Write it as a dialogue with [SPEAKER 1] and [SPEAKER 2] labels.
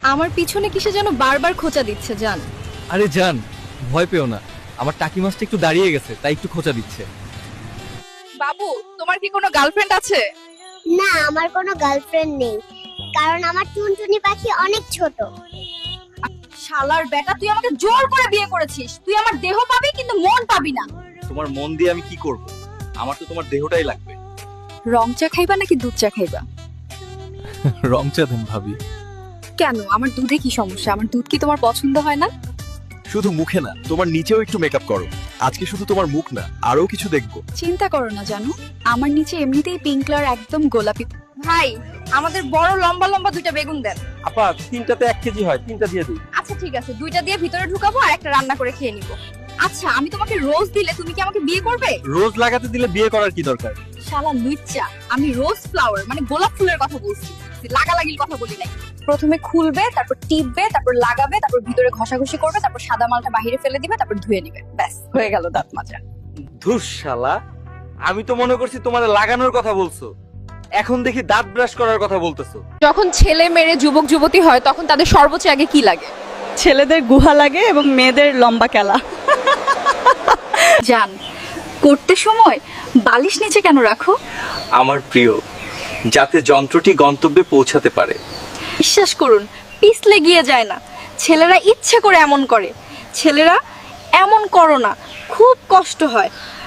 [SPEAKER 1] আমার পিছনে কিসে যেন বারবার খোঁচা দিচ্ছে জান।
[SPEAKER 2] আরে জান, ভয় পেও না, আমার টাকি মাছটা একটু দাঁড়িয়ে গেছে তাই একটু খোঁচা দিচ্ছে।
[SPEAKER 1] বাবু, তোমার কি কোনো গার্লফ্রেন্ড আছে?
[SPEAKER 3] না, আমার কোনো গার্লফ্রেন্ড নেই, কারণ আমার টুনটুনি পাখি অনেক ছোট।
[SPEAKER 1] শালার বেটা, তুই আমাকে জোর করে বিয়ে করেছিস। তুই আমার দেহ পাবি কিন্তু মন পাবি না।
[SPEAKER 2] তোমার মন দিয়ে আমি কি করব? আমার তো তোমার দেহটাই লাগবে।
[SPEAKER 1] রং চা খাইবা নাকি দুধ চা খাইবা?
[SPEAKER 2] রং চা দেন ভাবি।
[SPEAKER 1] কেন, আমার দুধে কি সমস্যা? আমার দুধ কি তোমার পছন্দ হয় না?
[SPEAKER 4] শুধু মুখে না, তোমার নিচেও একটু মেকআপ করো। আজকে শুধু তোমার মুখ না, আরো কিছু দেখবো।
[SPEAKER 1] চিন্তা করো না জানো, আমার নিচে এমনিতেই পিঙ্ক কালার একদম গোলাপি। ভাই, আমাদের বড় লম্বা লম্বা দুইটা বেগুন দেন।
[SPEAKER 5] আপা 3টাতে 1 কেজি হয়, 3টা দিয়ে দিই।
[SPEAKER 1] আচ্ছা ঠিক আছে, দুইটা দিয়ে ভিতরে ঢুকাবো আর একটা রান্না করে খেয়ে নিব। আচ্ছা, আমি তোমাকে রোজ দিলে তুমি কি আমাকে বিয়ে করবে?
[SPEAKER 2] রোজ লাগাতে দিলে বিয়ে করার কি দরকার?
[SPEAKER 1] শালা লুচ্চা, আমি রোজ ফ্লাওয়ার মানে গোলাপ ফুলের কথা বলছি, লাগালাগির কথা বলি নাই। প্রথমে খুলবে, তারপর টিপবে, তারপর লাগাবে, তারপর ভিতরে ঘষাঘষি করবে, তারপর সাদা মালটা বাইরে ফেলে দিবে, তারপর ধুয়ে নিবে। ব্যাস, হয়ে গেল দাঁত মাজা।
[SPEAKER 5] ধুস শালা, আমি তো মনে করছি তোমার লাগানোর কথা বলছো, এখন দেখি দাঁত ব্রাশ করার কথা বলতেছো।
[SPEAKER 1] যখন ছেলে মেয়ে যুবক যুবতী হয় তখন তাদের সর্বোচ্চ আগে কি লাগে?
[SPEAKER 6] ছেলেদের গুহা লাগে এবং মেয়েদের লম্বা কেলা।
[SPEAKER 1] জান, করতে সময় বালিশ নিচে কেন রাখো?
[SPEAKER 5] আমার প্রিয়, যাতে যন্ত্রটি গন্তব্যে পৌঁছাতে পারে।
[SPEAKER 1] বিশ্বাস করুন, পিছলে গিয়ে যায় না। ছেলেরা ইচ্ছে করে এমন করে। ছেলেরা এমন করো না, খুব কষ্ট হয়।